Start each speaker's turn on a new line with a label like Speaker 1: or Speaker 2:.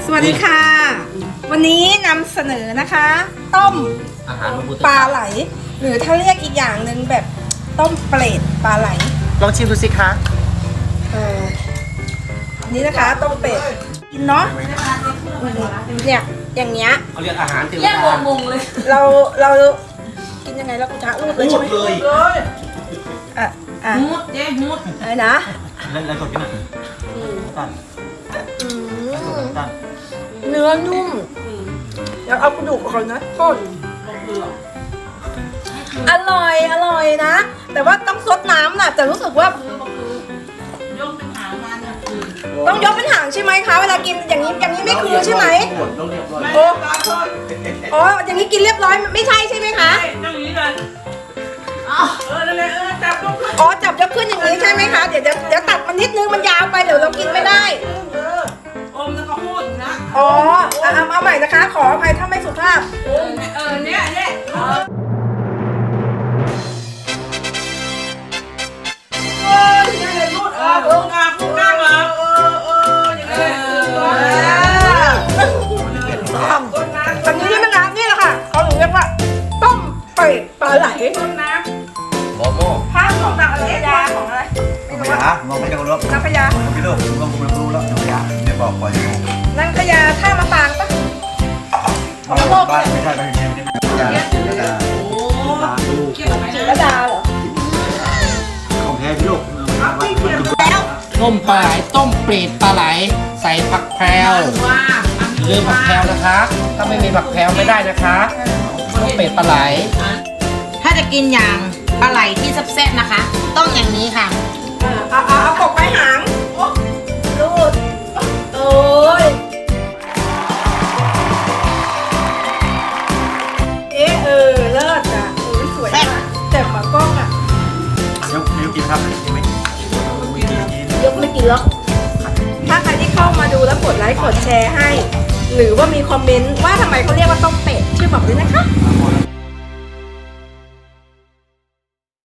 Speaker 1: สวัสดีค่ะ วันนี้นำเสนอนะคะ ต้ม
Speaker 2: อาหาร
Speaker 1: ปลาไหล หรือถ้าเรียกอีกอย่างหนึ่งแบบต้มเปรตปลาไหล
Speaker 2: ลองชิมดูสิคะ
Speaker 1: นี่นะคะต้มเป็ดกินเนาะเนี่ยอย่างเงี้ย
Speaker 2: เขาเรียกอาหารเทว
Speaker 3: แยก
Speaker 2: ดาว
Speaker 3: งเลย
Speaker 1: เรากินยังไงแล้วกูจะรูดเลยใช่ไหม
Speaker 2: เลย
Speaker 1: อ่ะ
Speaker 3: มุดเจ๊มุด
Speaker 1: อะไรนะ
Speaker 2: แล้วกดกันหน่อยตั้น
Speaker 1: อืม
Speaker 2: ตั้น
Speaker 1: เนื้อนุ่มแล้วเอากระดูกออกนะโทษอร่อยนะ แต่ว่าต้องซดน้ำน่ะแต่รู้สึกว่า
Speaker 3: ยกเป็นหางมันอ่ะ
Speaker 1: ต้องยกเป็นหางใช่ไหมคะเวลากินอย่างนี้ไม่คือใช่ไหม
Speaker 2: ต้องเรียบร้อย
Speaker 1: โอ้อ๋ออย่างนี้กินเรียบร้อยไม่ใช่ใช่ไหมคะ
Speaker 3: ต้องอย่างนี้เลยนั่นแหละจับลูก
Speaker 1: อ๋อจับยกขึ้นอย่างนี้ใช่ไหมคะเดี๋ยวตัดมันนิดนึงมันยาวไปเดี๋ยวเรากินไม่ได้
Speaker 3: อมแล้วก็พูดนะ
Speaker 1: อ๋อเอาใหม่นะคะ ขออภัยถ้าไม่สุภาพ
Speaker 3: เนี่ยพูดพูดนั่งเหรออย่างนี้
Speaker 1: อันนี้นี่มันน้ำนี่แหละค่ะเขาถึงเรียกว่าต้มเป็ดปลาไหล
Speaker 3: ต้นน้
Speaker 2: โมโม่
Speaker 1: ข้าวของต่างประเทศยาของอะไร
Speaker 4: ไม่ยามองไม่ได้ก็รู้
Speaker 1: นางพญา
Speaker 4: ไม่รู้ผมก็รู้แล้วไม่ยาไม่บอกปล่อยงง
Speaker 1: นางพญาท่ามะปางปะ
Speaker 4: บ้านไม่ใช่ไม่ใช่ยา
Speaker 3: ำโอ้เกี่ยวไหม
Speaker 1: จิรดาเหรอ
Speaker 4: ของแท้พี่ลูก
Speaker 2: ต้มปลาไหลต้มเปรตปลาไหลใส่ผักแพรว
Speaker 3: ว่า
Speaker 2: เรื่องผักแพรวนะคะ ถ้าไม่มีผักแพรวไม่ได้นะคะต้มเปรตปลาไหล
Speaker 5: ถ้าจะกินอย่างปลาไหลที่แซ่บๆนะคะ ต้องอย่างนี้ค่ะ
Speaker 1: เอากบไปหางรูดโอ้ยเลิศอ่ะสวยมากแต่หมากล้องอ่ะ
Speaker 4: ยกนิ้วกินครับไม่กิน
Speaker 1: ยกไม่กินแล้วถ้าใครที่เข้ามาดูแล้วกดไลค์กดแชร์ให้ หรือว่ามีคอมเมนต์ว่าทำไมเขาเรียกว่าต้มเป็ดช่วยบอกด้วยนะคะ